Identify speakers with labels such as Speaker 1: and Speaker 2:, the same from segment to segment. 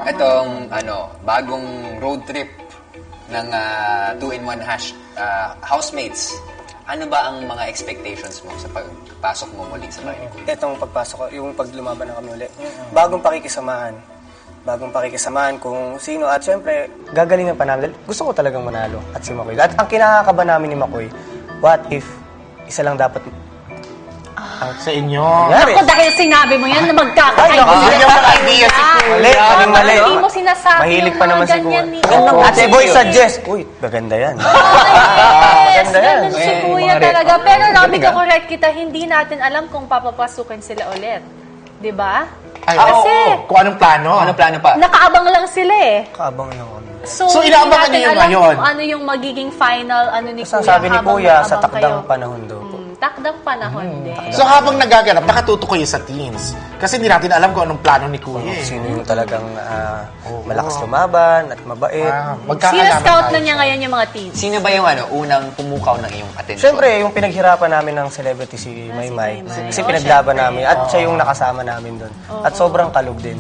Speaker 1: Itong bagong road trip ng 2-in-1 housemates. Ano ba ang mga expectations mo sa pagpasok mo muli sa bahay?
Speaker 2: Itong pagpasok ko, yung paglumaban na kami ulit. Bagong pakikisamahan. Bagong pakikisamahan kung sino. At syempre, gagalingan pa namin. Gusto ko talagang manalo at si Makoy. At ang kinakakaba namin ni Makoy, what if isa lang dapat
Speaker 3: Sa inyo.
Speaker 2: nangyari?
Speaker 4: Ako dahil sinabi mo yan na magkakaayos.
Speaker 3: Yun yung mga idea si Kuya.
Speaker 2: Mali, maling mali.
Speaker 4: Hindi mo sinasabi
Speaker 2: Mahilig
Speaker 4: yung
Speaker 2: pa
Speaker 4: mga
Speaker 2: naman si
Speaker 4: ganyan
Speaker 2: Kuya.
Speaker 4: ni...
Speaker 2: At si Boy suggest, uy, maganda yan.
Speaker 4: Yes,
Speaker 2: Maganda yan.
Speaker 4: ganun si Kuya talaga. Pero Robby, correct kita, hindi natin alam kung papapasukin sila ulit. Di ba?
Speaker 3: Ay,
Speaker 4: Kasi,
Speaker 3: oo. Kung anong plano.
Speaker 1: Ano plano pa?
Speaker 4: nakaabang lang sila eh.
Speaker 2: Kaabang lang kami.
Speaker 3: So,
Speaker 4: hindi
Speaker 3: inaabangan
Speaker 4: natin
Speaker 3: niyo yung
Speaker 4: alam
Speaker 3: ngayon?
Speaker 4: kung ano yung magiging final, ano ni
Speaker 2: Basta
Speaker 4: Kuya.
Speaker 2: sabi ni
Speaker 4: habang
Speaker 2: Kuya, sa
Speaker 4: nakaabang
Speaker 2: takdang
Speaker 4: kayo.
Speaker 2: panahon daw po.
Speaker 4: Takdang panahon din.
Speaker 3: So habang nagaganap, nakatuto kayo sa teams. Kasi hindi natin alam kung anong plano ni Kuya. eh.
Speaker 2: Sino yung talagang malakas lumaban at mabait.
Speaker 4: Sino-scout na niya ngayon yung mga teams?
Speaker 1: Sino ba yung unang pumukaw ng iyong atensyon?
Speaker 2: Siyempre, yung pinaghirapan namin ng celebrity si Maymay.
Speaker 4: Maymay.
Speaker 2: Kasi
Speaker 4: Oh,
Speaker 2: pinaglaban namin. At siya yung nakasama namin doon. At sobrang kalog din.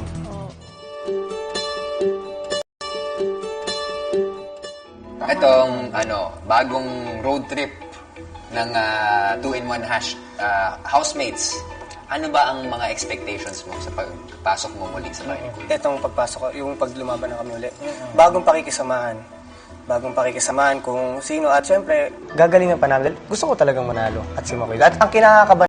Speaker 1: Itong bagong road trip ng 2-in-1 housemates. Ano ba ang mga expectations mo sa pagpasok mo muli sa bahay?
Speaker 2: Itong pagpasok ko, yung paglumaban na kami ulit. Bagong pakikisamahan. Bagong pakikisamahan kung sino. At syempre, gagalingan pa namin. Gusto ko talagang manalo at si Makoy. At ang kinakakaba